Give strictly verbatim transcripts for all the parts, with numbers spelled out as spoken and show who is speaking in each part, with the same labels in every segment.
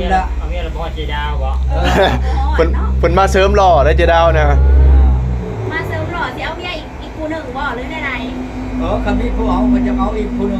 Speaker 1: ละ
Speaker 2: เอาเมียเราบอกเจดาวบ่
Speaker 3: เพิ่นเพิ่นมาเสริมหล่อได้เจดาวนะ
Speaker 4: มาเสริมหล่อสิเอาเมียอีกอีกคู่หนึ่งบ่หรือไหน
Speaker 1: เออคำนี้ผู้เอามันจะเอาอีกผู้หนึง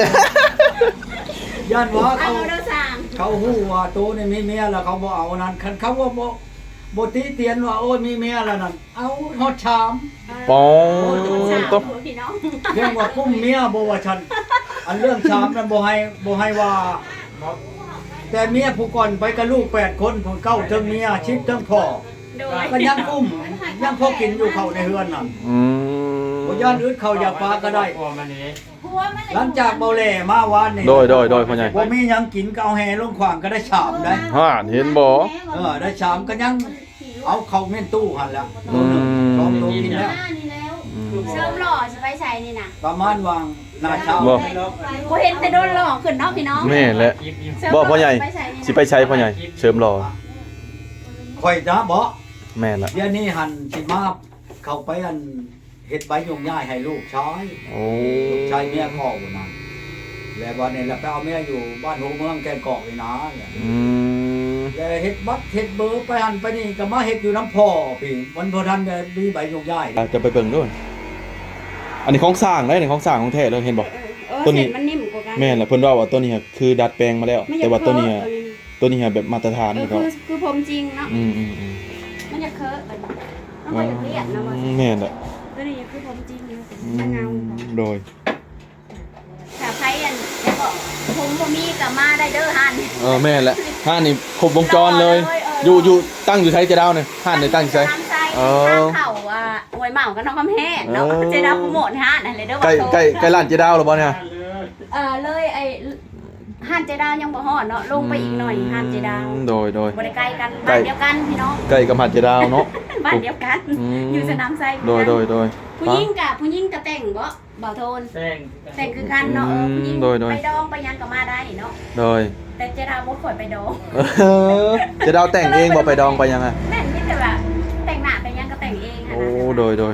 Speaker 1: ย่านว่า
Speaker 4: เอา
Speaker 1: เขา
Speaker 4: เด้อสร้าง
Speaker 1: เขาฮู้ว่าโตนี่มีเมียแล้วเขาบ่เอานั่นคันเขาว่าบ่บ่ติเตียนว่าโอ้ยมีเมียแล้วนั่นเอาฮอดชาม
Speaker 3: ปอง
Speaker 4: สาม
Speaker 3: ตุ๊บ
Speaker 4: พี่น้อง
Speaker 1: เรื่องว่ากุ้มเมียบ่ว่าฉันอันเรื่องชามนั้นบ่ให้บ่ให้ว่า แต่เมียผู้ก่อนไปกับลูกแปดคนผู้เก้าเทั้งเมียชิดเทั้งพ่อ
Speaker 4: โดย
Speaker 1: ก็ยังกุ้มยังพอกินอยู่เขาในเฮือนน่ะ
Speaker 3: อืม
Speaker 1: บ่ย่านอึดเขาอยากปลาก็ได้
Speaker 2: พวมันนี่
Speaker 4: ผัวมัน
Speaker 1: หลังจากเบาแหล่มาวานนี่
Speaker 3: โดยโดยโดยพ่อใหญ่
Speaker 1: บ่มีหยังกินก็เอาแห่ลงขวางก็ได้ชามได้
Speaker 3: ฮ่าเห็นบ่
Speaker 1: เออได้ชามก็ยังเอาเข้าเม่นตู้หั่นแล้ว
Speaker 3: อื
Speaker 1: ตัวหนึงสอง
Speaker 3: ม
Speaker 1: ตัวกินแล้ว
Speaker 4: นี่แล้วเสริมหล่อสิไปใส่นี่น่ะ
Speaker 1: ประมาณวางหน้าเช้า
Speaker 3: บ่
Speaker 4: บ่เห็นแต่โดนหล่อขึ้นเนาะพี่น้อง
Speaker 3: แม่นแหละ
Speaker 2: ยิบยิบ
Speaker 4: เสริม
Speaker 3: บ่พ่อใหญ่
Speaker 4: ไปใส่นี่
Speaker 3: สิไปใช้พ่อใหญ่เสริมหล่อ
Speaker 1: ข่อยจ้าบ่
Speaker 3: แม่นละ
Speaker 1: เดี๋ยวนี้หันสิมาเข้าไปอันเฮ็ดใบยงย่ายให้ลูกชาย
Speaker 3: โอ้
Speaker 1: ลูกชายเมียพ่อพุ่นน่ะแล้ววันนี้แล้วไปเอาเมียอยู่บ้านหัวเมืองแกนกอกนี่นะเนี่ย
Speaker 3: อืม
Speaker 1: แล้วเฮ็ดบัตรเฮ็ดเบอร์ไปหันไปนี่ก็มาเฮ็ดอยู่น้ำพ่อพี่มันบ่ทันได้มีใบยงย่าย
Speaker 3: อ่ะจะไปเบิ่งด้วยอันนี้ของสร้างได้นี่ของสร้างของแท้เลยเห็นบ่
Speaker 4: เออ
Speaker 3: ตัวนี้
Speaker 4: เส้มันนิ่มกว่ากัน
Speaker 3: แม่นแหละเพิ่นว่าว่าตัวนี้อะคือดัดแปลงมาแล้ว
Speaker 4: ไม่อยา
Speaker 3: แต่
Speaker 4: ก
Speaker 3: ว่าตัวนี้
Speaker 4: เค
Speaker 3: อะ
Speaker 4: อะ
Speaker 3: ตัวนี้อะแบบมาตรฐาน
Speaker 4: เออ
Speaker 3: ของ
Speaker 4: คื
Speaker 3: เขา
Speaker 4: อคือผมจริงเนาะ
Speaker 3: อืมอืมอืม
Speaker 4: มันจะเคอะมันมันบ่อยากเรียบนะว่า
Speaker 3: แม่นแหละ
Speaker 4: ตัวนี้คือผมจริงอยู่
Speaker 3: อื
Speaker 4: จะเงาม
Speaker 3: โดย
Speaker 4: ถ้าใครอันจะบอกผมบ่มีก็มาได้เด้อหัน
Speaker 3: เออแม่นแหละห้านนี่ครบวงจรเลย
Speaker 4: เลยเออ
Speaker 3: อ
Speaker 4: อ
Speaker 3: ยู่อยู่ตั้งอยู่ไสเจดาวเนี่ยห้านนี่ตั้งอยู่ไส
Speaker 4: น้ำใจ
Speaker 3: เออ
Speaker 4: ทางเขาอ่ะหวยเหมากับน้องคำแห้งเนาะ
Speaker 3: เออ
Speaker 4: เจดาโปรโมทห้านอะไรเด้อ
Speaker 3: ใกล้
Speaker 4: ว่าโต
Speaker 3: ใกล้ใกล้ร้านเจดาวหรือบ่เนี่ย
Speaker 4: เออเลยไอ้ห้านเจดาวยังบ่ฮอดเนาะลงไปอีกหน่อยห้านเจดาว
Speaker 3: อืมโดยโดย
Speaker 4: บ่ได้ใกล้กัน
Speaker 3: ใกล้
Speaker 4: บ้านเดียวกันพี่น้อง
Speaker 3: ใกล้กับหาดเจดาวเนาะ
Speaker 4: บ้านเดียวกัน
Speaker 3: อืม
Speaker 4: อยู่สนามไซ
Speaker 3: โดยโดยโดย
Speaker 4: ผู้หญิงกับผู้หญิงกับแต่งบ่บ่าวโทน
Speaker 2: แป้ง
Speaker 4: แต่งคือกันเนาะเออผู้หญิง
Speaker 3: โดยโดย
Speaker 4: ไปดองไปยังก็มาได้เนาะ
Speaker 3: โดย
Speaker 4: แต่เจดาวบ่ข่อยไปดอง
Speaker 3: เออเจดาวแต่งเองบ่ไปดองไปยังไง
Speaker 4: แม่นนี่แต่ว่าแต่งหน้าไปยังก็แต่งเองอะ
Speaker 3: โอ้
Speaker 4: นะ
Speaker 3: โดยโดย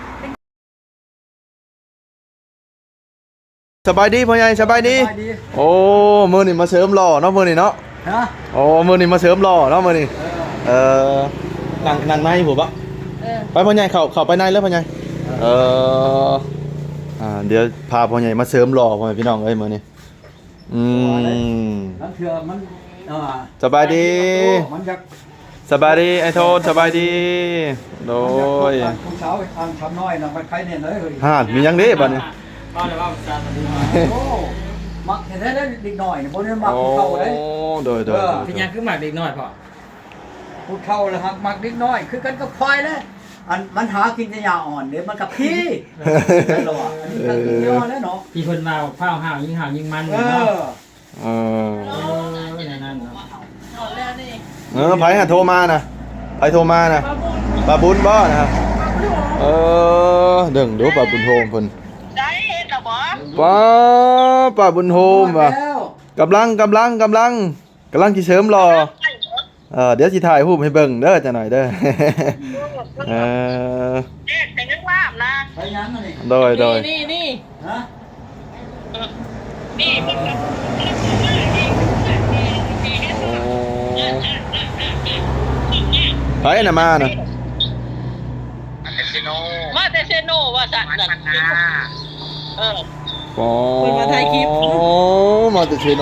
Speaker 3: สบายดีพ่อใหญ่สบายดี
Speaker 1: สบายดี
Speaker 3: โอ้มื้อนี้มาเสริมหล่อเนาะมื้อนี้เนาะ
Speaker 1: ฮะ
Speaker 3: โอ้มื้อนี้มาเสริมหล่อเนาะมื้อนี้
Speaker 1: เออ
Speaker 3: เออนั่งนั่งในผมปะ
Speaker 4: เออ
Speaker 3: ไปพ่อใหญ่เข้าเข้าไปในแล้วพ่อใหญ่เอออ่าเดี๋ยวพาพ่อใหญ่มาเสริมหล่อพ่อแม่พี่น้องเอ้ยมื้อนี้อืม
Speaker 1: นั่นเถื่อมันเออ
Speaker 3: สบายดี
Speaker 1: มันจะ
Speaker 3: สบายดีไอ้โทนสบายดีโดย
Speaker 1: ผู้สาวทางชำน้อยน่ะมันใครเนี่ยเลยเฮ้ย
Speaker 3: ห่านมียังเด้บัดนี้
Speaker 2: บ้านเราว่าซาตะบู
Speaker 1: โอ้มักเห็นได้เด็กหน่อยเนี่ยบ่ได้มัก
Speaker 3: โอ้
Speaker 1: ผู้เฒ่าเลย
Speaker 3: โดยโดย
Speaker 2: พี่ยังคือหมากเด็กน้อยพ่อ
Speaker 1: ผู้เฒ่าเลยฮักมักเด็กน้อย คือกันกับควายเลยอันมันหากินแต่ยาอ่อนเดี๋ยวมันกับพี่นั่นแหละว่ะอันนี้ก็คือยอแล้วเนาะ
Speaker 2: พี่เพิ่นมาข้าวห่าวยิงห่าวยิงมัน
Speaker 1: เอ
Speaker 2: เนาะ
Speaker 1: อ
Speaker 3: เออ
Speaker 2: เออในนั้นเนาะ
Speaker 3: เออไผหาโทรมานะไผโทรมานะปลาบุญบ่นะครับเออเดิ่งเดี๋ยวปลาบุญโฮมเพิ่น
Speaker 5: ได้เห็นหรอบ่
Speaker 3: ป้าปลาบุญโฮมว่ะ
Speaker 1: แล้ว
Speaker 3: กำลังกำลังกำลังกำลังสิเสริมรอเออเดี๋ยวสิถ่ายรูปให้เบิ่งเด้อจังหน่อยเด้อ เออ
Speaker 5: เด็กแต่ยังว่าบนะ
Speaker 1: ไปยังอันนี้
Speaker 3: โดยโดย
Speaker 5: นี่นี่
Speaker 1: ฮะ
Speaker 5: นี่มัน
Speaker 3: โอ้ไผน่ะมาน่ะ
Speaker 5: มาแต่เซโนว่าสัตว์นั่นเออ
Speaker 3: อ๋อ
Speaker 5: เพิ่นมาถ่ายคลิป
Speaker 3: อ๋อมาจากเชโน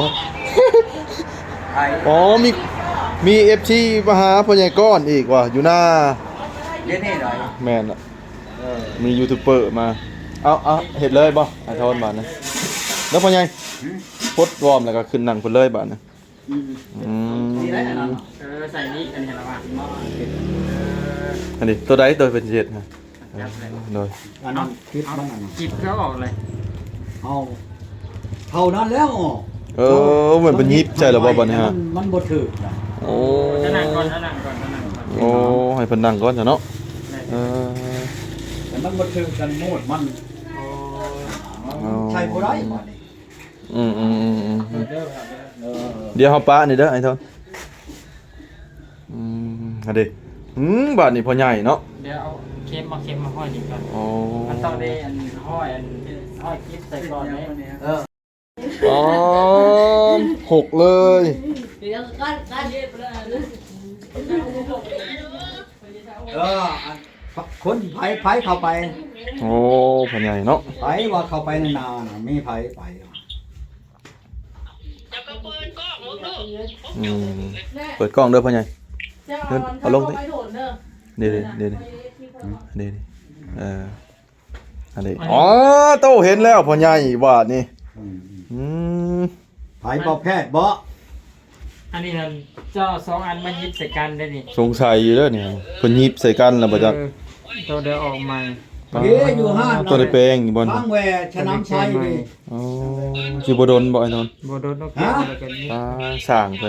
Speaker 1: ไทย
Speaker 3: อ๋อมีมี เอฟ ซี มาหาพ่อใหญ่ก้อนอีกว่ะอยู่หน้า
Speaker 1: เดี๋ยวนี้หน่อย
Speaker 3: แม่นอ่ะ
Speaker 1: เออ
Speaker 3: มียูทูบเบอร์มา เอาเอาเห็ดเลยบ่ไอ้ทอนบาทนะแล้วพ่อใหญ่พดวอร์มแล้วก็ขึ้นนั่งพุ่นเลยบาทนะ
Speaker 1: อืม
Speaker 3: อืม
Speaker 1: นี่ได้อันนั้น
Speaker 2: เออใส่นี่อันนี้ละว่าหม้อ
Speaker 3: อันนี้ตัวใดตัวเป็นเจ็ดฮะเออโดย
Speaker 1: อันนั้นคิดมันอันนั้น
Speaker 2: จิบเขาออกเลย
Speaker 1: เอาเท่านั้นแล้วอ๋อ
Speaker 3: เออเหมือนเป็นยิบใช่หรือเปล่าบัดนี้ฮะ
Speaker 1: มันมันบ่ถึกนะ
Speaker 3: โอ้
Speaker 2: จะนั่งก่อนจะนั่งก่อนจะนั่งก่อน
Speaker 3: โอ้ให้เพิ่นนั่งก่อนจ้ะเนาะเออ
Speaker 1: แต่มันบ่ถึกกันโมดมัน
Speaker 2: โอ้
Speaker 1: ใช่บ่ได้บัดนี้
Speaker 3: อืมอืมอืมอืม
Speaker 2: เด้อเด้อ
Speaker 1: เออ
Speaker 3: เดี๋ยวเฮาปะนี่เด้อไอ้ทอนอืมอันนี้อืมบาทนี่พ่อใหญ่เนาะ
Speaker 2: เดี๋ยวเอาเค็มมาเค็มมาห้อยนี่ก่อน
Speaker 3: โอ้
Speaker 2: มันต้องได้อันห้อยอันห้อยคลิปใส่ก่อนไหม
Speaker 1: เออ
Speaker 3: อ๋อหกเลย
Speaker 2: ค
Speaker 1: เอออันคนไผไผเข้าไป
Speaker 3: โอ้พ่อใหญ่เนาะ
Speaker 1: ไผว่าเข้าไปนานๆน่ะมีไผไป
Speaker 5: จะก็เปิดกล้องมึงดู
Speaker 3: อืมเปิดกล้องเด้อพ่อใหญ่
Speaker 6: เจ้าเอาเอาลงไปโดดเด้อ
Speaker 3: เดี๋ยวๆเดี๋ยวๆเดี๋ยวๆเอออันนี้อ๋อโตเห็นแล้วพ่อใหญ่บาดนี่
Speaker 1: อืม
Speaker 3: อืม
Speaker 1: ไผบ่แพทย์บ่
Speaker 2: อันนี้นั่นเจ้าสองอันมายิบใส่กันได้นี่
Speaker 3: สงสัยอยู่เด้อเนี่ยเพิ่นหยิบใส่กันแล้วบ่จัก
Speaker 2: เออตัวเดียวออกใหม่
Speaker 1: เฮ้ยอยู่ห้าน
Speaker 3: ตัวได้แปลงอยู่บ่
Speaker 1: ทางแหวชะน้ำชัยนี่
Speaker 3: อ๋อสิบ่โดนบ่ไอ้นนท์
Speaker 2: โบโดนนกเกี่ยวอะไรกันนี่
Speaker 3: ตาสร้างเพิ่น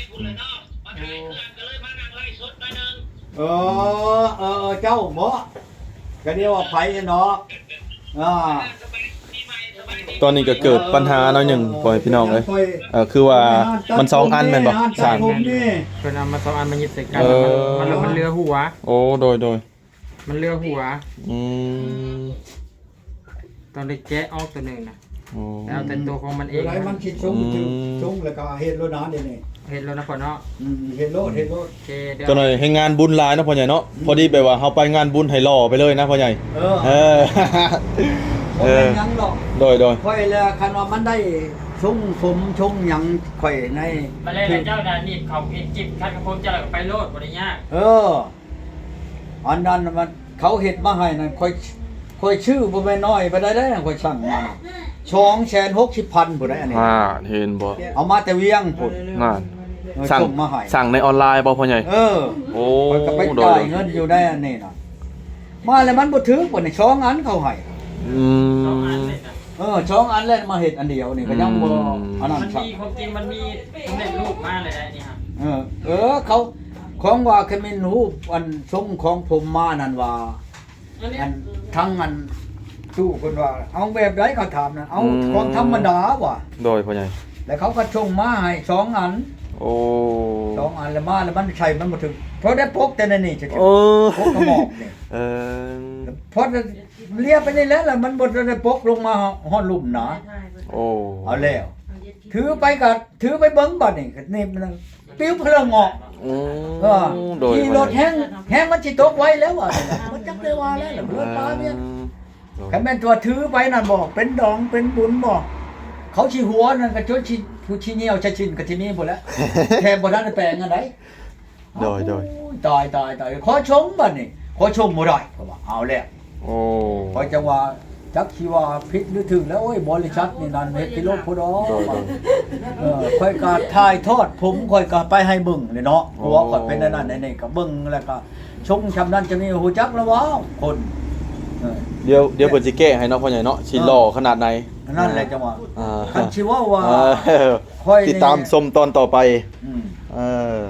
Speaker 1: เออเออเจ้าบ่ก็เรียกว่าไผเนาะอ่า
Speaker 3: ตอนนี้ก็เกิดปัญหาหน่อยหนึงปล่อยพี่น้องเอ้ยเออคือว่ามันสองอันแม่นบ่สร้าง
Speaker 1: ผมนี่
Speaker 2: เพิ่นเอามาสองอันมายิบใส่กัน
Speaker 3: เออ
Speaker 2: มันมันมันเรือหัว
Speaker 3: โอ้โดยโดย
Speaker 2: มันเรือหัว
Speaker 3: อืม
Speaker 2: ตอนได้แกะออกตัวหนึงนะ
Speaker 3: โอ้
Speaker 2: แล้วแต่ตัวของมันเอ
Speaker 1: เอง
Speaker 2: ง
Speaker 1: ไรมันคิดชงถึงชงแล้วก็เฮ็ดโลดน้าเดี๋ยวนี้
Speaker 2: เห็นแล้วนะพ่อเนาะ
Speaker 1: อืมเฮ็ดโลดเฮ็ดโลด
Speaker 2: โอเคเดี๋ยว
Speaker 3: ตัวหน่อยให้งานบุญหลายเนาะพ่อใหญ่เนาะพอดีแบบว่าเฮาไปงานบุญให้หล่อไปเลยนะพ่อใหญ่
Speaker 1: เออ
Speaker 3: เออ
Speaker 1: บ่
Speaker 3: เอ
Speaker 1: เป็
Speaker 3: อน
Speaker 1: หยังหรอก
Speaker 3: โดยโดย
Speaker 1: ค่อยแล้วคันว่ามันได้ชงสมชงหยังค่อยใน
Speaker 2: มาเลยเจ้าดานี่เขาเห็นจิบคัดกระพงเจ้าแล้วก็ไปโลดบ่ได้ยาก
Speaker 1: เอออันนั้นมันเขาเฮ็ดมาให้นั่นค่อยค่อยชื่อบ่แม่นน้อยไปได้ได้ค่อยสั่งมาสองแสนหกสิบพันพุ่นได้อันนี้
Speaker 3: อ่าเห็นบ่
Speaker 1: เอามาแต่เวียงพุ่น
Speaker 3: น่า
Speaker 1: เออ
Speaker 3: สั่ง
Speaker 1: ส่งมาให้
Speaker 3: สั่งในออนไลน์บ่พ่อใหญ่
Speaker 1: เออ
Speaker 3: โอ้
Speaker 1: ข้อยก็ไป
Speaker 3: โด
Speaker 1: จ่าย ยเงินอยู่ได้อันนี้น่ะมาแล้วมันบ่ถึงบ่นี่สองอันเขาให้
Speaker 3: อื
Speaker 2: สองอัน
Speaker 3: ม
Speaker 2: เลยนะ
Speaker 1: เออสองอันแล้วมาเฮ็ดอันเดียวนี่ก็ยังบ่
Speaker 3: อืม
Speaker 1: อันนั้น
Speaker 2: มัน
Speaker 1: สั่ง
Speaker 2: มีความจริงมันมีสำเร็จรูปมาเลยได้นี่ฮะ
Speaker 1: เออเออเขาของว่าเคมินรูปอันทรงของผมมานั่นว่าอันทั้งอันตู้คนว่า เอาแบบใดเขาถามนะเอาของธรรมดาว่ะ
Speaker 3: โดยพ่อใหญ่
Speaker 1: แล้วเขาก็ชงมาให้สองอัน
Speaker 3: โอ้
Speaker 1: สองอันแล้วมาแล้วมันใช่มันบ่ถึงเพราะได้พกแต่ในนี่จะ
Speaker 3: โอ้
Speaker 1: พกกระหมอกนี่
Speaker 3: เออ
Speaker 1: เพราะเลียไปนี่แล้วแล้วมันบ่ได้พกลงมาฮอดลุ่มหนา
Speaker 3: โอ้
Speaker 1: เอาแล้ว ถือไปก็ถือไปเบิ่งบัดนี่ก็นี่มันปิ้วเพลิงออก
Speaker 3: อืม
Speaker 1: เออ
Speaker 3: โดย
Speaker 1: ขี่รถแห้งแห้งมันสิตกไว้แล้วอ่ะมันจักได้ว่าแล้วล่ะเพื่อนปลาเนี่ยคันแม่นตัวถือไปนั่นบอกเป็นดองเป็นบุญบอกเขาสิหัวนั่นก็จนสิผู้สิเหนียวชะชินก็ที่นี่พุ่นแหล้วแค่บ่ทันได้แปลงอันใด
Speaker 3: โดยโดย
Speaker 1: โอ้ตายตายตายขอชมบัดนี่ขอชมบ่ได้เพราะว่าเอาแล้ว
Speaker 3: โอ้
Speaker 1: พอจังว่าจักสิว่าผิดหรือถูกแล้วโอ้ยบริษัทนี่นั่นเฮ็ดพิโรธพุ่นดอก
Speaker 3: โดยโดย
Speaker 1: เออค่อยก็ถ่ายทอดผมค่อยก็ไปให้เบิ่งเลยเนาะหัวค่อยเป็นอันนั่นอันนี่ก็เบิ่งแล้วก็ชงชำนั้นจะมีหูจักแล้วว้าวคนเออ
Speaker 3: เดี๋ยวเดี๋ยวเพิ่นสิแก้ให้เนาะพ่อใหญ่เนาะสิหล่อขนาดไหน
Speaker 1: อันนั่นแหละจังว่า
Speaker 3: อ่า
Speaker 1: คันสิว่าว่า
Speaker 3: เออ
Speaker 1: ค่อยนี่
Speaker 3: ติดตามชมตอนต่อไป
Speaker 1: อืม
Speaker 3: เออ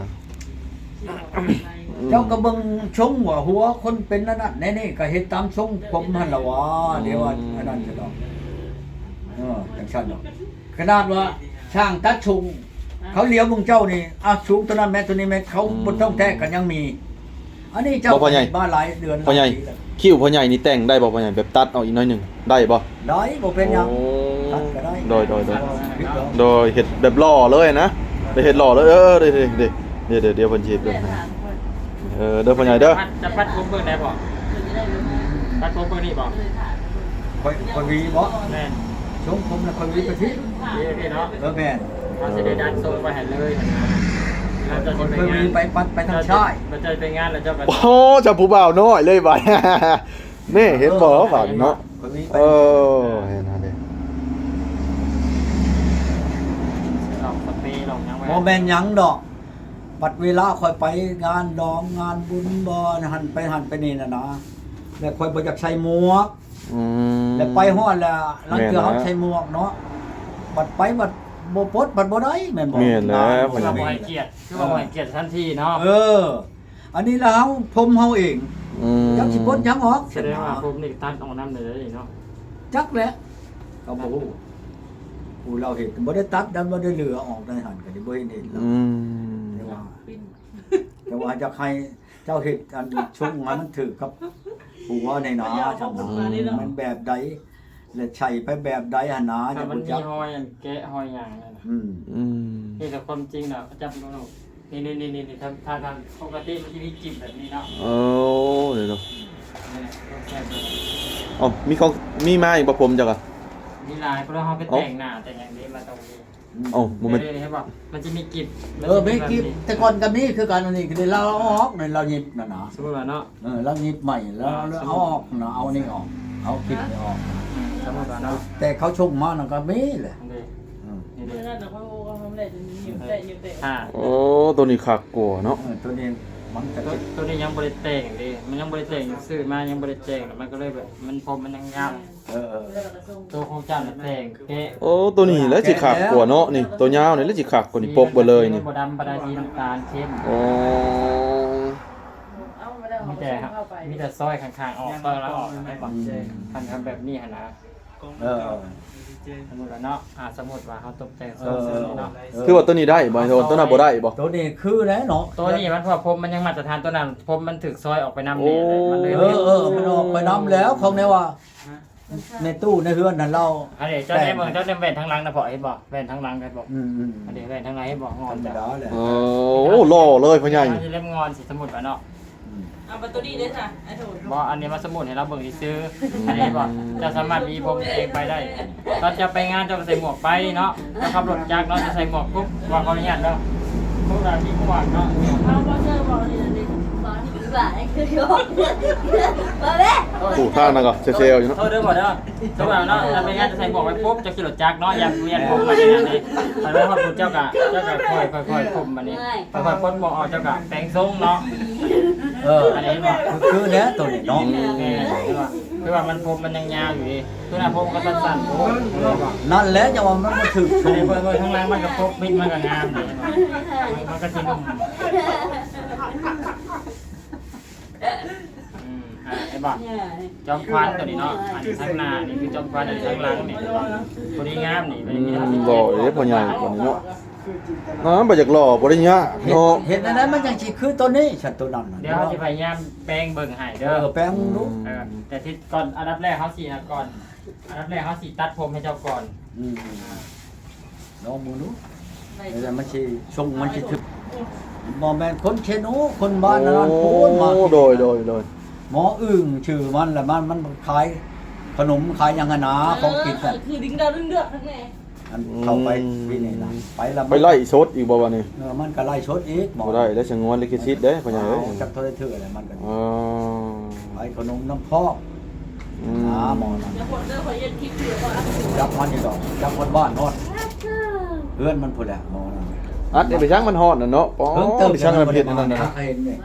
Speaker 1: เจ้าก็เบิ่งชงว่าหัวคนเป็นอันนั่นแน่ๆก็เฮ็ดตามชงผมหั่นล่ะว่าเดี๋ยวว่าอันนั้นจะดอกเออจังซั่นดอกขนาดว่าช่างตัดชงเขาเลี้ยวมึงเจ้านี่อ่ะสูงตัวนั้นแม่ตัวนี้แม่เขาบ่ต้องแท้กันยังมี อันนี้เจ้า
Speaker 3: บ่พ่อใหญ่
Speaker 1: บ้านหลายเดือน
Speaker 3: พ่อใหญ่
Speaker 1: ลายปีแล้ว
Speaker 3: คิ้วพ่อใหญ่นี่แต่งได้บ่พ่อใหญ่แบบตัดเอาอีกหน่อยหนึงได้บ่
Speaker 1: ได้บ่เป็นหยัง
Speaker 3: โอ้
Speaker 1: ตัดก็ได้
Speaker 3: โดยโดยโดย
Speaker 1: ผิดหรอก
Speaker 3: โดยเฮ็ดแบบหล่อเลยนะได้เฮ็ดหล่อเลยเออเดี๋ยวเดี๋ยวเดี๋ยวเดี๋ยวเพิ่นสิเฮ็ดเด้อเออเด้อพ่อใหญ่เด้อ
Speaker 2: จะพัดผมเบิ่งได้บ่พัดผมเบิ่งนี่บ่
Speaker 1: ค่อยค่อยวีบ่
Speaker 2: แม่น
Speaker 1: ชงผมน่ะค่อยวีไปที่
Speaker 2: ดีพี่เนาะ
Speaker 1: เออแม่น
Speaker 2: เราสิได้ดันโซนไปให้เลยเราจะ
Speaker 1: ค่อย
Speaker 2: ไป
Speaker 1: ค่อย
Speaker 2: งา
Speaker 1: วี
Speaker 2: น
Speaker 1: ไปปัดไปทางชาย
Speaker 2: เราจะไปงานแล้วเจ้าก็
Speaker 3: โอ้จับผู้บ่าวน้อยเลยบัด นี่เห็นบ่บัดเนาะ
Speaker 1: ค่อยวีไป
Speaker 3: เออเห็นนะเด้
Speaker 2: ลองสเปรย์ลองยังไว้
Speaker 1: บ่แม่นหยังดอกบัดเวลาค่อยไปงานดองงานบุญบ่นะหันไปหันไปนี่น่ะนะแล้วค่อยบ่อยากใส่หมวก
Speaker 3: อืม
Speaker 1: แล้วไปฮอดแล้วหลังจาก
Speaker 3: แม่นนะ
Speaker 1: เฮาใส่หมวกเนาะบัดไปบัดบ่ปลดบัดบ่ได้แม่นบ่
Speaker 3: แม่นแล้ว
Speaker 2: คือว่าบ่ให้เกียรติคือว่าบ่ให้เกียรติทันทีเนาะ
Speaker 1: เออ อันนี้แล้วเฮาผมเฮาเอง
Speaker 3: อืม
Speaker 1: จักสิปลดหยังออก
Speaker 2: แสดงว่าผมนี่ตัดออกน้ำเลยเนาะ
Speaker 1: จักแหละก็บ่ฮู้ผู้เราเห็นบ่ได้ตัดดันบ่ได้เหลือออกในหันก็ได้บ่เห็นเห็นแล้ว
Speaker 3: อืม
Speaker 1: แต่ว่าแต่ว่าจะใครเจ้าเฮ็ดอันช่วงงานมันถือกับผัวในหนาจังมันแบบใดและใช้ไปแบบใดหั่นนะ
Speaker 2: ถ้า
Speaker 1: จะ
Speaker 2: มัน
Speaker 1: บ่
Speaker 2: มี
Speaker 1: จัก
Speaker 2: หอยอันแกะหอยหยังนั่นน่ะ
Speaker 1: อืม
Speaker 3: อืม
Speaker 2: นี่แต่ความจริงน่ะจับน้องๆนี่นี่นี่นี่ถ้าถ้าทางปกติมันจะมีจิบแบบนี้เนาะ
Speaker 3: โอ้เดี๋ยว
Speaker 2: นี่แหละต้องแซ่บเลย
Speaker 3: ๆอ๋อมีของมีมาอีกบ่ผมจักอ่ะ
Speaker 2: มีลายเพราะเราไปแต่งหน้าแต่งอย่างนี้มาตรงนี้
Speaker 3: เอ้าบ่แม่น
Speaker 2: เดี๋ยวๆให้บอกมันจะมีกิบ
Speaker 1: เออไม่กิบแต่ก่อนกับนี้คือการอันนี้คือเราเอาออกในเราหยิบน่ะนะ
Speaker 2: สมมติว่าเนาะ
Speaker 1: เออเราหยิบใหม่แล้วเราเอาออกนะเอานี่ออกเอาคลิปนี่ออก
Speaker 2: อืมสมมติว่าเนาะ
Speaker 1: แต่เขาชงมาน่ะก็มีแหละ
Speaker 2: นี่
Speaker 1: อืม
Speaker 2: นี่
Speaker 6: เมื่อ
Speaker 2: เลย
Speaker 6: นั้นนะเขาเขาทำอะไรจะยิ้มเตะยิ้มเตะ
Speaker 2: อ่า
Speaker 3: โอ้ตัวนี้คักกว่าเนาะ
Speaker 1: เออตัวนี้มันจะ
Speaker 2: ตัว
Speaker 1: เป็น
Speaker 2: ตัวนี้ยังบริแต่งดิมันยังบริแต่งซื้อมายังบริแต่งมันก็เลยแบบมันพรมมันยังงาม
Speaker 1: เออเออ
Speaker 6: แล้วก็ส่ง
Speaker 2: ตัวของเจ้าน่ะแต่งแค่
Speaker 3: โอ้ตัวนี้แล้วสิคักกว่าเนาะนี่ตัวยาวนี่แล้วสิคักกว่านี่ปกบ่เลยนี่
Speaker 2: บดำบดาดีน้ำตาลเข้ม
Speaker 3: โอ้
Speaker 6: เอามาแล้ว
Speaker 2: มี
Speaker 6: เขา
Speaker 2: แต่
Speaker 6: ส่งเข้าไป
Speaker 2: มีแต่ซอยข้างๆออกซอยแล้วออกให้บอกทำทำแบบนี้ฮะนะ
Speaker 1: เออ
Speaker 2: สมมติว่าเนาะอ่าสมมติว่าเขาตกแต่งโซ
Speaker 1: เอน อ
Speaker 2: นี้เนาะ
Speaker 3: คือว่าตัวนี้ได้บ่โทนตัวนั้นบ่ได้บ่
Speaker 1: ตัวนี้คือแล้วเนาะ
Speaker 2: ตัวนี้มันพอพรมมันยังมาตรฐานตัวนั้นพรมมันถึกซอยออกไปน้ำ
Speaker 3: โอ้
Speaker 2: เนี่ยเลยมันเลย
Speaker 1: เออเออมันออกไปน้ำแล้วเขาเนี่ยว่า ในตู้ในเฮือนนั่นเรา
Speaker 2: อันนี้เจ้าได้เมืองเจ้าได้แว่นทั้งหลังนะพอเห็นบอกแว่นทั้งหลังกันบอก
Speaker 1: อืมอืม
Speaker 2: อันนี้แว่นทั้งหลังให้บอกง
Speaker 1: ธ
Speaker 2: อ
Speaker 1: ร
Speaker 2: น
Speaker 1: รม
Speaker 2: จ้ะ
Speaker 1: ดาแหละ
Speaker 3: โอ้หล่อเลยพ่อใหญ่
Speaker 2: มันจะเล่มงอนสิสมุดวะเนาะ
Speaker 6: เอาประตูดีด้วยจ้ะไอ้โถ
Speaker 2: บอกอันนี้มาสมุดให้เราเบิ่งที่ซื้ออันนี้บอกจะสามารถมีผมเองไปได้ตอนจะไปงานจะใส่หมวกไปเนาะถ้าขับรถจักรเนาะจะใส่หมวกปุ๊บว่าเขาอนุญาตเนาะพวกเราที่หมวกเนาะ
Speaker 6: เอาบอลเจอร์บอกนี่นี่
Speaker 3: ถูกทางนั่นก็เซลล์อยู่เนาะ
Speaker 2: โทษเด้อบอกเด้อสมมติเนาะจะไปงานจะใส่หมวกไปปุ๊บจะขี่รถจักรเนาะอย่าเวียนผมมาอย่างนี้แต่ว่าพอคุณเจ้ากะเจ้ากะค่อยค่อยค่อยผมมานี้ค่อยๆพ้นหมวกออกเจ้ากะแต่งทรงเนาะ
Speaker 1: เอออันนี้ว่าคือแล้วตัวนี้เนาะ
Speaker 2: คือว่าคือว่ามันผมมันยังยาวอยู่ดิคือหน้าผมก็สั้นๆผมเลยว่า
Speaker 1: นั่นแหละจะว่ามันมาถึก
Speaker 2: อันนี้เพิ่นๆข้างล่างมันก็พบมิดมันก็งามดีมันก็สินุ่มอืมอ่าไอ้บ่จอมควันตัวนี้เนาะอันนี้ข้างหน้านี่คือจอมควันอันนี้ข้างหลังนี่ตัวนี้งามนี่มันมี
Speaker 3: อืมหล่อเลยพ่อใหญ่กว่านี้เนาะน้ำบ่อยากหล่อบ่ได้ยากเนาะ
Speaker 1: เห็นอันนั้นมันยังสิคือตัวนี้ฉันตัวนั้นน่ะ
Speaker 2: เดี๋ยวเขาจะพยายามแปลงเบิ่งให้
Speaker 1: เอ
Speaker 2: เด้อ
Speaker 1: อแป้งรู้
Speaker 2: เออแต่ที่ก่อนอันดับแรกเขาสินะก่อนอันดับแรกเขาสิตัดผมให้เจ้าก่อน
Speaker 1: อืมน้องมือนู้แล้วมันสิชงมันสิถึกบ่แม่นคนเชนูคนบ้านนั้นพูดมา
Speaker 3: โอ้โดยโดยโดย
Speaker 1: หมออึ่งชื่อมันแหละมันมันขายขนมขายยังไงนะของกินน่ะ
Speaker 6: คือดิ้งดาวดึงเดือดทั้งแน่
Speaker 1: อันเข้าไปปีนี้ล่ะไปแล้ว
Speaker 3: ไปไล่ชดอีกบ่วะนี่
Speaker 1: เออมันก็ไล่ชดอีกหมอ
Speaker 3: บ่ได้แล้วสงวนลิขสิทธิ์เด้พ่อใหญ่เอ้ย
Speaker 1: จับโทรเถื่ออะไรมันก็
Speaker 3: อ๋อ
Speaker 1: ขายขนมน้ำพอก
Speaker 3: อื
Speaker 1: หาหมอนั่น
Speaker 6: เดี๋ยวคนเจอคนเย็นคลิปอยู่ก่อน
Speaker 1: จับมันอยู่ดอกจับคนบ้านนอนเพื่อนมันพูดแหละหมอนั่น
Speaker 3: อัดได้ไปช่างมันฮอดน่ะเนาะอ๋อ
Speaker 1: เพิ่มเติม
Speaker 3: ไปช่างมันเผ็ดนั่นน่ะ
Speaker 1: เห็นเนี่ย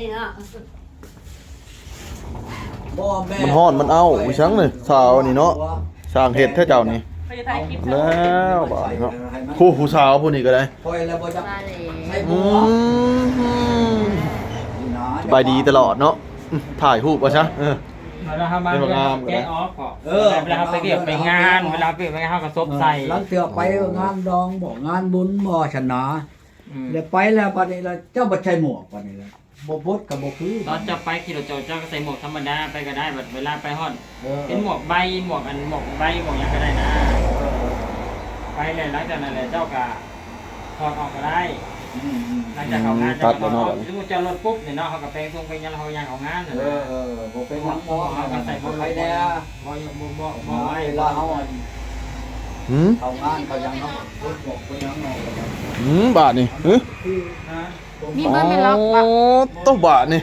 Speaker 1: บ่แม่
Speaker 3: มันฮอดมันเอาไปช่างเลยสาวนี่เนาะสร้างเฮ็ดเท่าเจ้านี่
Speaker 6: ไปถ่ายคลิป
Speaker 3: แล้วบาดนี้เนาะผู้ผู้สาวผู้นี้ก็ได้
Speaker 1: ปล่อยแล้วบ่จับให้
Speaker 3: อื
Speaker 1: บัว
Speaker 3: มสบายดีตลอดเนาะอืมถ่ายรูปว่าซะเออ
Speaker 2: เวลาเขามา
Speaker 3: เป็นงามก็ได้
Speaker 2: แกะออฟก่อนเวลาเขาไปเรียกไปงานเวลาไปไปงานเขาก็ซบใส่
Speaker 1: หลังเตือไปงานดองบ่งานบุญบ่ชนะ
Speaker 2: อืม
Speaker 1: เดี๋ยวไปแล้วบัดนี้แล้วเจ้าบ่ใช้หมวกบัดนี้แล้วบ่พดกับบ่คือ
Speaker 2: ตอนจะไปขี่รถเจ้าเจ้าก็ใส่หมวกธรรมดาไปก็ได้แบบเวลาไปฮอด
Speaker 1: เออ
Speaker 2: เป็นหมวกใบหมวกอันหมวกใบหมวกหยังก็ได้นะ ไปเลยหลังจากนั้นเลยเจ้าก็ถอดออกก็ได้
Speaker 1: อืมอืม
Speaker 2: หลังจากเขางาน
Speaker 3: ตั
Speaker 2: เจ้า
Speaker 3: ด
Speaker 2: ก็
Speaker 3: แล้ว
Speaker 2: ถอ
Speaker 3: เนาะ
Speaker 2: ดสมมุติเจ้ารถปุ๊บเนี่ยเนาะเขาก็แปลงทรงไปยังเขายังเขางานน่ะ
Speaker 1: เอ
Speaker 2: นะ
Speaker 1: อเออบ่เป็นหวัง
Speaker 2: บ่
Speaker 1: บ่
Speaker 2: เขาก็ใส่บ่
Speaker 1: ไปแน่
Speaker 2: บ่บ่บ่บ่
Speaker 1: บ่
Speaker 2: ไว้
Speaker 1: เวลาเฮา
Speaker 3: หืม
Speaker 1: เอางานเขายังเนาะรถบอกไปยังเนาะ
Speaker 3: หืมบาทนี่เฮ้ย
Speaker 2: ฮะ
Speaker 4: มีเบอร์ไม่ล็อก
Speaker 3: อ๋
Speaker 4: ปะ
Speaker 3: อต้องบาทนี่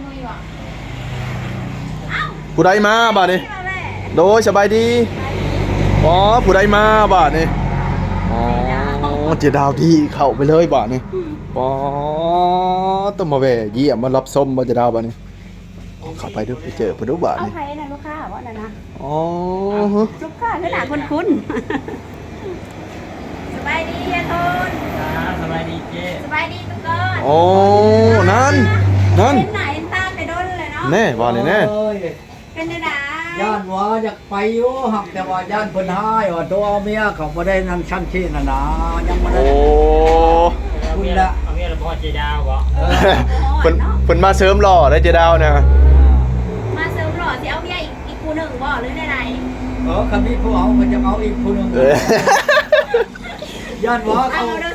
Speaker 3: ผู้ใดมาบาทนี่โดยสบายดีอ๋อผู้ใดมาบาทนี่อ๋อเจดาวดีเข้าไปเลยบาทนี่อ๋อต้องมาแวะเยี่ยมมารับชมบ่เจดาวบาทนี่เข้าไปดูไปเจอเพิ่นดูบาท
Speaker 4: เอา
Speaker 3: นี่
Speaker 4: ใครนะลูกค้าว่าน่ะนะ
Speaker 3: อ๋อ
Speaker 4: ลูกค้าคือหน้าคุ้นๆสบายดีอะทน
Speaker 2: อ่าสบายดีเจ้
Speaker 4: สบายดีทุกคน
Speaker 3: โอ้นั่นนั่น
Speaker 4: เป็นไหนเป็นตาไปโดนเลยเนาะ
Speaker 3: แน่บาทนี่แน่
Speaker 1: เอ้ย
Speaker 4: เป็นได้ไหน
Speaker 1: ย่านว่าอยากไปอยู่หักแต่ว่าย่านเพิ่นหายว่าตัวเมียเขาบ่ได้นั่นชั้นที่น่ะนะยังบ่
Speaker 3: โอ้
Speaker 1: ได้
Speaker 2: เอาเมียเอาเมียเราบ่เจดาวบ่
Speaker 3: เพิ่นเพิ่นมาเสริมหล่อได้เจดาวนะ
Speaker 4: มาเสริมหล่อสิเอาเมียอีกอีกคู่หนึ่งบ่หรือไหน
Speaker 1: เออคันนี้ผู้เอาเพิ่นจะเอาอีกผู้หนึง
Speaker 3: เออย่
Speaker 1: านว่า
Speaker 4: เอา
Speaker 1: เขา
Speaker 4: เด้อสั่ง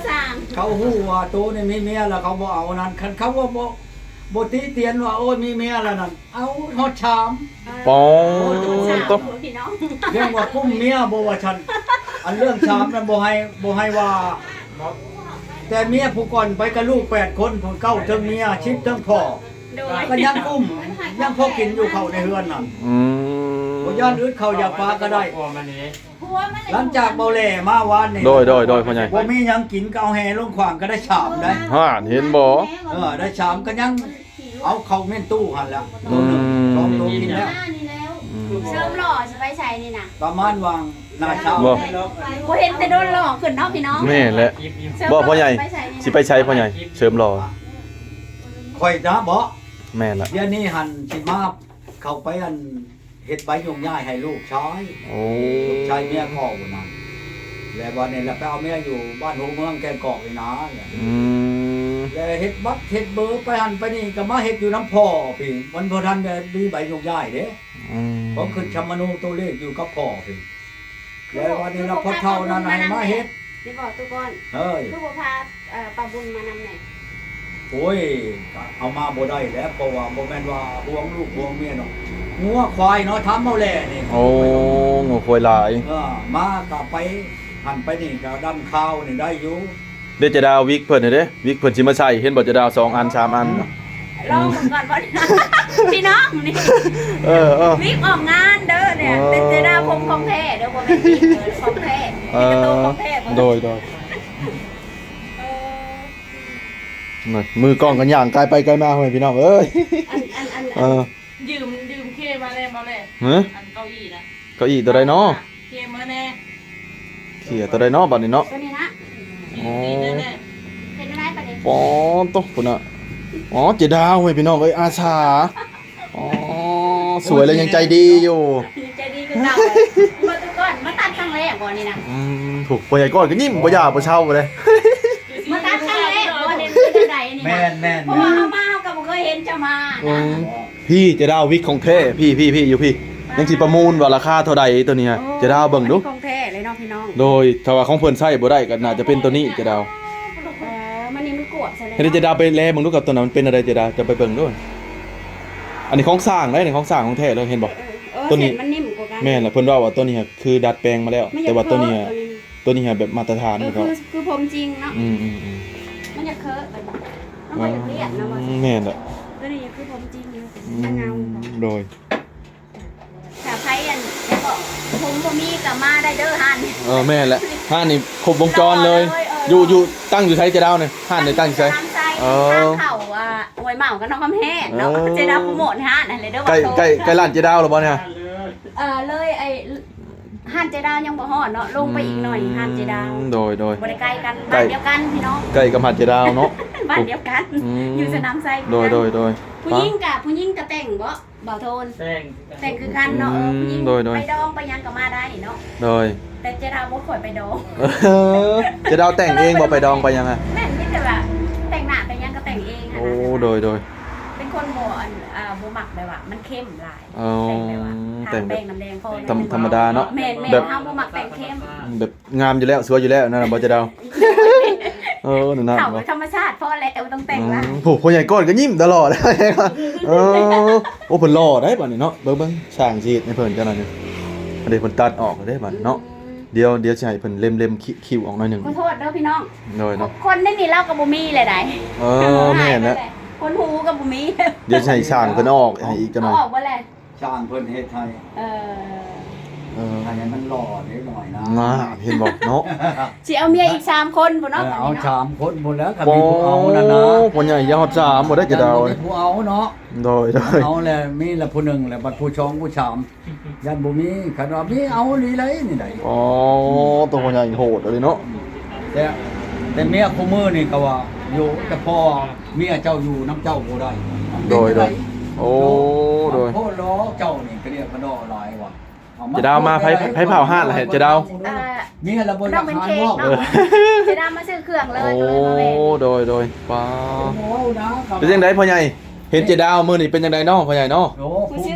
Speaker 1: เขาฮู้ว่าตัวนี่มีเมียแล้วเขาบ่เอานั่นคันเขาว่าบ่บ่ติเตียนว่าโอ้ยมีเมียแล้วนั่นเอาฮอดชาม
Speaker 3: ปอ
Speaker 4: สาม
Speaker 3: ตบ
Speaker 4: พี่น้อง
Speaker 1: เรื่องว่ากุ้มเมียบ่ว่าฉันอันเรื่องชามนั้นบ่ให้บ่ให้ว่า แต่เมียผู้ก่อนไปกับลูกแปดคนผู้เก้าเทิงเมียชิดเทิงพ่อ
Speaker 4: โดย
Speaker 1: ก็ยังกุ้มยังพอกินอยู่เขาในเฮือนนั่น
Speaker 3: อืม
Speaker 1: บ่ย้อนอึดเขาอยากปลาก็ได้
Speaker 2: กลัวมันนี่
Speaker 4: ผัวมัน
Speaker 1: หลังจากเบาแหล่มาวานนี่
Speaker 3: โดยโดยโดยพ่อใหญ่
Speaker 1: บ่มีหยังกินก็เอาแห่ลงขวางก็ได้ชามได้
Speaker 3: ห่านเห็นบ่
Speaker 1: เออได้ชามก็ยังเอาเข้าเม่นตู้หั่นแล้ว
Speaker 3: อืม
Speaker 1: สองตัวกินแล้ว
Speaker 4: นี่แล้ว
Speaker 3: อืม
Speaker 4: เสริมหล่อสิไปใช้นี่น่ะ
Speaker 1: ประมาณวางหน้าเช้า
Speaker 3: บ่
Speaker 4: บ่เห็นแต่โดนหลอกขึ้นเนาะพี่น้อง
Speaker 3: แม่นแหละ
Speaker 2: ยิบยิบ
Speaker 4: เสริม
Speaker 3: บ่พ่อใหญ่
Speaker 4: ไปใช้นี่
Speaker 3: สิไปใช้พ่อใหญ่เสริมหล่อ
Speaker 1: ข่อยนะบ่
Speaker 3: แม่นละ
Speaker 1: เดี๋ยวนี้หันสิมาเข้าไปอันเฮ็ดใบยงย้ายให้ลูกชาย
Speaker 3: โอ้
Speaker 1: ลูกชายเมียพ่อพุ่นน่ะแล้ววันนี้แล้วไปเอาเมียอยู่บ้านหัวเมืองแกงกอกนี่นะแล้ว
Speaker 3: อืม
Speaker 1: เฮ็ดบัตรเฮ็ดเบอร์ไปหันไปนี่ก็มาเฮ็ดอยู่น้ำพ่อพี่มันบ่ทันได้มีใบยงย้ายเด้
Speaker 3: อืม
Speaker 1: ผมขึ้นชมนูตัวเลขอยู่กับพ่อพี่แล้ววันนี้เราพอเท่านั้นให้มาเฮ็ด
Speaker 4: สิบอกตุก่อน
Speaker 1: เฮ้ย
Speaker 4: คือบ่พาเอ่อป้าบุญมานำไหน
Speaker 1: โอ้ยเอามาบ่ได้แล้วเพราะว่าบ่แม่นว่าห่วงลูกห่วงเมียเนาะงัวควายเนาะทำเอาแลนี่
Speaker 3: โอ้งูควยหลาย
Speaker 1: เออมาก็ไปหันไปนี่ก็ดำข้าวนี่ได้อยู่
Speaker 3: เดี๋ยวจะดาววิกเพิ่นเด้วิกเพิ่นสิมาใช้เห็นบ่จะดาวสองอันสามอัน
Speaker 4: ลองผมก่อนว่า พี่น้องนี่
Speaker 3: เออเออ
Speaker 4: วิกออกงานเด้อเนี่ย
Speaker 3: อ๋อ
Speaker 4: เป็นเจดาผมของแท้เด้อบ่แม่นวิกเด้อของแท้
Speaker 3: เอ
Speaker 4: เป็นกระ
Speaker 3: อ
Speaker 4: ตุ้ของแท้บ่
Speaker 3: โดยโดย
Speaker 4: เออ
Speaker 3: นั่นมือกล้องกันย่างไกลไปไกลมาพ่อแม่พี่น้องเอ้ย
Speaker 4: อันอันอัน
Speaker 3: เออ
Speaker 6: ยืมยืมเคมาแน่มาแน่
Speaker 3: ฮะ
Speaker 6: อันเก้าอี้นะ
Speaker 3: เก้าอี้ตัวใดเนาะ
Speaker 6: เคมาแน่
Speaker 3: เขี่ยตัวใดเนาะบัดนี้เนาะ
Speaker 4: ตัวนี้นะ
Speaker 3: อ๋อ
Speaker 6: ดีแน่แน่
Speaker 4: เป็นอะไรประเด็น
Speaker 3: ปอตกพุ่นน่ะอ๋อเจดาวเว้ยพี่น้องเอ้ยอาสาอ๋อสวยแล้วยังใจดีอยู่
Speaker 4: ใจดีคือเก่ามาตุก่อนมาตัดครั้งแรกบ่นี่นะ
Speaker 3: อืมถูกพ่อใหญ่ก้อนก็ยิ้มบ่อยากบ่เช่าบ่เลย
Speaker 4: มาตัดครั้งแรกบ่เห็นเป็นใดนี่
Speaker 1: แม่
Speaker 4: นะ
Speaker 1: นแม่น
Speaker 4: เพราะว่าเฮามาเฮาก็บ่เคยเห็นจะมา
Speaker 3: อืมพี่เจดาววิกของแท้พี่พี่พี่อยู่พี่ยังสิประมูลว่าราคาเท่าใดตัวเนี้ยเจดาวเบิ่งดู
Speaker 4: ของแท้เลยเนาะพี่น้อง
Speaker 3: โดยถ้าว่าของเพิ่นใช้บ่ได้ก็น่าจะเป็นตัวนี้เจดาว
Speaker 4: เออมันนี่มันกวบใช่เลย
Speaker 3: ให้เจดาวไปแลเบิ่งดูกับตัวนั้นมันเป็นอะไรเจดาวจะไปเบิ่งด้วยอันนี้ของสร้างได้นี่ของสร้างของแท้เลยเห็นบ่
Speaker 4: เออ
Speaker 3: ตัวนี้
Speaker 4: เส้มันนิ่มกว่ากัน
Speaker 3: แม่นล่ะเพิ่นว่าว่าตัวนี้คือดัดแปลงมาแล้ว
Speaker 4: มันอย
Speaker 3: แต่
Speaker 4: ก
Speaker 3: ว่าตัวนี้
Speaker 4: เคอะ
Speaker 3: ตัวนี้แบบมาตรฐาน
Speaker 4: เอ
Speaker 3: ข
Speaker 4: อ
Speaker 3: อง
Speaker 4: คื
Speaker 3: เขา
Speaker 4: อคือผมจริงเนาะ
Speaker 3: อืมอืมอืม
Speaker 4: มันจะเคอะไปบ่มันบ่อยากเรียกนะว่า
Speaker 3: แม่นล่ะ
Speaker 4: ตัวนี้คือผมจริงอยู่
Speaker 3: อื
Speaker 4: แต่เงาม
Speaker 3: โดย
Speaker 4: ถ้าใครอันจะบอกผมบ่มีก็มาได้เด้อหัน
Speaker 3: เออแม่นแหละห้านนี่ครบวงจรเลย
Speaker 4: รอเลยเออ
Speaker 3: อ
Speaker 4: อ
Speaker 3: ยู่อยู่ตั้งอยู่ไสเจดาวเนี่ยห้านนี่ตั้งอยู่ไส
Speaker 4: น้ำใจ
Speaker 3: เออ
Speaker 4: ทางเข้าอ่าหวยเหมากับน้องคำแห้งเนาะ
Speaker 3: เออ
Speaker 4: เจดาโปรโมทหันนั่นเลยเด้อ
Speaker 3: ใกล้
Speaker 4: ว่าโต
Speaker 3: ใกล้ใกล้ร้านเจดาวแล้วบ่เนี่ย
Speaker 4: เออเลยไอ้หันเจดายังบ่ฮอดเนาะลงไปอีกหน่อยหันเจดา
Speaker 3: อืมโดยโดย
Speaker 4: บ่ได้ใกล้กัน
Speaker 3: ใกล้
Speaker 4: บ้านเดียวกันพี่น้อง
Speaker 3: ใกล้กับหาดเจดาวเนาะ
Speaker 4: บ้านเดียวกัน
Speaker 3: อืม
Speaker 4: อยู่สนามไซ
Speaker 3: โดยโดยโดย
Speaker 4: ผู้หญิงกับผู้หญิงก็แต่งบ่บ่าวโทน
Speaker 2: แป้ง
Speaker 4: แต่งคือกันเนาะเออผู้หญิง
Speaker 3: โดยโดย
Speaker 4: ไปดองไปหยังก็มาได้เนาะ
Speaker 3: โดย
Speaker 4: แต่เจดาบ่ค่อยไปดอง
Speaker 3: เออเจดาวแต่งเองบ่ไปดองไปยังไง
Speaker 4: แม่นมีแต่ว่าแต่งหน้าแต่งหยังก็แต่งเองอะ
Speaker 3: โอ้
Speaker 4: นะ
Speaker 3: โดยโดย
Speaker 4: เป็นคนบ่อันอ่าบ่มักแบบว่ามันเข้มหลาย
Speaker 3: อ๋อ
Speaker 4: แต่งแบบว่า
Speaker 3: แต่
Speaker 4: ทาง
Speaker 3: งแบ
Speaker 4: แป้
Speaker 3: บ
Speaker 4: งน้ำแดงพอ
Speaker 3: ธรรมธรรมดาเนาะ
Speaker 4: แม่นแม่น
Speaker 3: แบบ
Speaker 4: เฮาบ่มักแต่งเข้ม
Speaker 3: แบบงามอยู่แล้วสวยอยู่แล้วนั่นน่ะบ่เจดาวเออนั่นน่ะ
Speaker 4: เขา
Speaker 3: บ่
Speaker 4: ธรรมชาติพอแล้วต้องแต่ง
Speaker 3: อื
Speaker 4: ละ
Speaker 3: มโหคนใหญ่ก้อนก็ยิ้มตลอด เออโอ้เพิ่นหล่อได้บัดนี้เนาะเบิ่งเบิ่งช่างชีดให้เพิ่นจังนั้นนี่อันนี้เพิ่นตัดออกได้บัดนี้เนาะเดี๋ยวเดี๋ยวสิให้เพิ่นเล็มๆคิ้วออกหน่อยหนึง
Speaker 4: ขอโทษเด้อพี่น้อง
Speaker 3: โดยเนาะ
Speaker 4: คนนี่นี่เล่ากับบ่มีเลยได้
Speaker 3: เออแม่นแล้ว
Speaker 4: คนหูกับบ่มี
Speaker 3: เดี๋ยวสิให้ช่างเพิ่นเอาออกให้อีกจังหน่อย
Speaker 4: ออกบ่แหละ
Speaker 1: ช่างเพิ่นเฮ็ดให้
Speaker 4: เออ
Speaker 3: เออ
Speaker 1: ให้มันหล่อนิดหน่อยนะ
Speaker 3: น่าเห็นบ่เนาะ
Speaker 4: สิเอาเมียอีกสามคนพุ่น
Speaker 1: เอ
Speaker 4: เนาะ
Speaker 1: อเอาชามคนหมดแล้วก็
Speaker 3: โอ้
Speaker 1: มีผู้เอานั่นนะ
Speaker 3: คนใหญ่ยอดสามบ่ได้จะดาว
Speaker 1: มีผู้เอาเนาะ
Speaker 3: โดยโดย
Speaker 1: เอาแหละมีละผู้หนึ่งแหละบัดผู้ชองผู้ชามยันบ่มีคันว่ามีเอานี่เลยนี่ได้
Speaker 3: อ๋อตัวคนใหญ่โหดเลยเนาะ
Speaker 1: แต่แต่เมียคู่มือนี่ก็ว่าอยู่แต่พ่อเมียเจ้าอยู่น้ำเจ้าบ่ได้
Speaker 3: โดยโดยโอ้โดย
Speaker 1: โคตรล้อเจ้านี่ก็เรียกกระดอหลายว่ะอ
Speaker 3: จะดาวมาไผไผเผาห้านล่ะเห็นจะดาว
Speaker 4: เอ่อ
Speaker 1: เมียละบ่อ
Speaker 4: น้
Speaker 1: ยา
Speaker 4: อง
Speaker 1: ก
Speaker 4: เป็น
Speaker 1: หา
Speaker 4: เค้ก
Speaker 1: ว่า
Speaker 4: เนาะสิดามาซื้อเครื่องเลย
Speaker 3: โอ้
Speaker 4: ก็เลยมาแม่
Speaker 3: โดยโดยป้า
Speaker 1: โอ้นะ
Speaker 3: เป็นจังไดพ่อใหญ่เห็นเจดาวมื้อนี้เป็นจังไดเนาะพ่อใหญ่เนาะ
Speaker 1: โอ้
Speaker 4: ผู้ซื้อ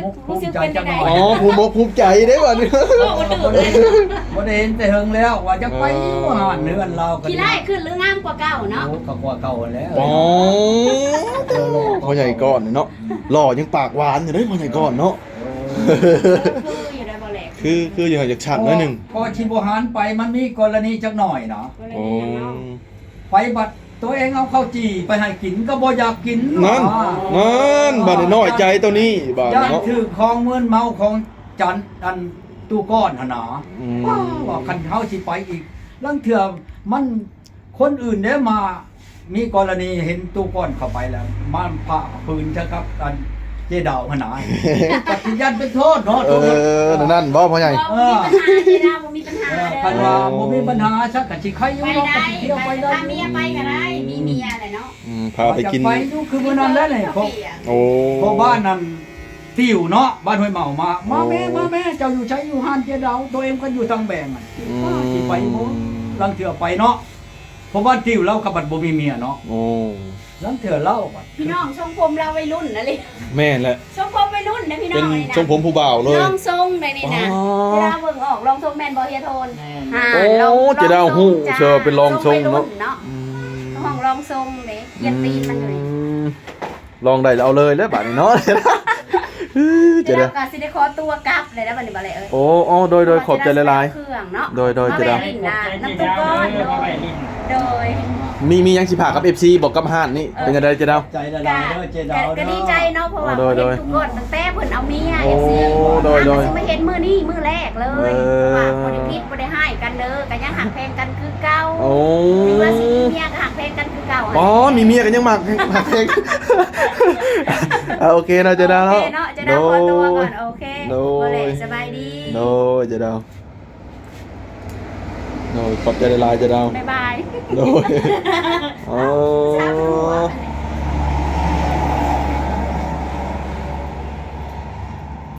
Speaker 1: มุกภูมิใจจังหน่อ
Speaker 3: อ๋
Speaker 1: ย
Speaker 3: อภูมิอกภูมิใจได้บ่นี่
Speaker 1: บ่ได้บ่ได้เห็นแต่เฮิงแล้วว่าจะไปว่าหานเนื้อนเรากัน
Speaker 4: ขี้ไล่ขึ้นหรืองามกว่าเก่าเนาะ
Speaker 1: โอ้ก็กว่าเก่าแล้ว
Speaker 3: อ๋อพ่อใหญ่ก่อนเนาะหล่อยังปากหวานอยู่เด้พ่อใหญ่ก่อนเนาะ
Speaker 4: คืออยู่ได้บ่แหลก
Speaker 3: คือคืออย่างจากฉันหน่อยหนึง
Speaker 1: พอชิบหานไปมันมีกรณีจักหน่อยเนาะ
Speaker 3: โอ้
Speaker 1: ไปบัดตัวเองเอาข้าวจี่ไปให้กินก็บ่อยากกิน
Speaker 3: นั่นนั่นบาดนี้น้อยใจตัวนี้บาด
Speaker 1: ย่าน
Speaker 3: เนาะ
Speaker 1: ถือของเมือนเมาของจันอันตู้ก้อนหั่นน่ะ
Speaker 3: อืม
Speaker 1: ว่าคันเฮาสิไปอีกลังเถื่อมันคนอื่นเด้มามีกรณีเห็นตู้ก้อนเข้าไปแล้วมาผ่าปืนซะครับอันเจดาวหั่นน่ะปฏิญาณเป็นโทษเนาะ
Speaker 3: เออนั่นบ่พ่อใหญ่
Speaker 4: บ่มีปัญหาเจดาบ่มีปัญหา
Speaker 1: เออ
Speaker 4: เด้
Speaker 1: คัน
Speaker 4: อ
Speaker 1: ว่าบ่มีปัญหาซะก็สิใครอยู่
Speaker 4: ไป
Speaker 1: เนาะ
Speaker 4: ได้
Speaker 1: ก็สิเที่ยว
Speaker 4: ไป
Speaker 1: ไปได้
Speaker 4: พาเมียไปก็ได้มีเมียแหละเนาะ
Speaker 3: อืมพาไปกิน
Speaker 1: ไปอยู่คือมื้อนั้นแล้วนี่พอ
Speaker 3: โอ้
Speaker 1: พอบ้านนั้นติวเนาะบ้านห้วยเมามามาแม่มาแม่เจ้าอยู่ใช้อยู่ห้านเจดาวตัวเองก็อยู่ทางแบงอ่ะ
Speaker 3: อืม
Speaker 1: สิไปบ่ลังเถื่อไปเนาะเพราะว่าติวเรากับบัดบ่มีเมียเนาะ
Speaker 3: โอ้
Speaker 1: ลังเถื่อเล่าบัด
Speaker 4: พี่น้องทรงผมเราวัยรุ่นนะลิ
Speaker 3: แม่นแหละ
Speaker 4: ทรงผมวัยรุ่นนะพี่น้
Speaker 3: เป็
Speaker 4: อน งนี่นะ
Speaker 3: ทรงผมผู้บ่าวเลย
Speaker 4: ลองทรงได้นี่นะ
Speaker 3: อ๋อ
Speaker 4: เวลาเบิ่งออกลองทรงแม่นบ่เฮียโทน
Speaker 2: แม่น
Speaker 4: อ่า
Speaker 3: โอ้
Speaker 4: ลอง
Speaker 3: เจดาวฮู้เชิญเป็นลองทรงเนาะ
Speaker 4: วัยรุ่เนาะ
Speaker 3: อืม
Speaker 4: ห้องลองทรงเด้เยียนตีนมันอยู่นี่
Speaker 3: มลองได้แล้วเอาเลยแล้วบาดนี้เนาะ
Speaker 4: เดี๋
Speaker 3: เจะ
Speaker 4: ยว
Speaker 3: ได้
Speaker 4: เราก็สิได้ขอตัวกลับเลยนะบัดนี้บ่เลยเอ้ย
Speaker 3: โอ้โอ้โดยโดยขอบใจหลาย
Speaker 4: เครื่องเนาะ
Speaker 3: โดยโดย
Speaker 4: มา
Speaker 3: เจดาว
Speaker 4: แวะลิ้นนะน้ำตุ๊กก้อนโดยโดย
Speaker 3: ๆมีมียังสิพากับ เอฟ ซี บอกกับห้านนี่เป็นจังไดเจะดาว
Speaker 1: ใจละลายเด้อเจดาว
Speaker 4: ก็
Speaker 1: เด้อ
Speaker 4: ดีใจเนาะเพราะว่า
Speaker 3: โดยโดย
Speaker 4: เห็นทุกคนตั้งแต่เพิ่นเอาเมีย
Speaker 3: โอ้
Speaker 4: อย่างซี่
Speaker 3: โดยโดย
Speaker 4: อ่ะมันสิมาเห็นมื้อนี้มื้อแรกเลย
Speaker 3: เออ
Speaker 4: ว่าบ่ได้ผิดบ่ได้ให้กันเด้อก็ยังหักแพงกันคือเก่า
Speaker 3: โอ้
Speaker 4: หรือว่าสิมีเมียก็หักแพงกันคือเก่า
Speaker 3: อ๋อมีเมียกันยังหมักหมักเพลงอ่ะโอเคเนาะเจะดาว
Speaker 4: โอ
Speaker 3: เนาะ
Speaker 4: เคเนาะจะได้ขอตัวก่อนโอเค
Speaker 3: โดย
Speaker 4: บ่เลยสบายดี
Speaker 3: โดยเจะดาวโดยขอบใจหลายๆเจะดาว
Speaker 4: บ๊ายบาย
Speaker 3: โดยโอ้
Speaker 4: ส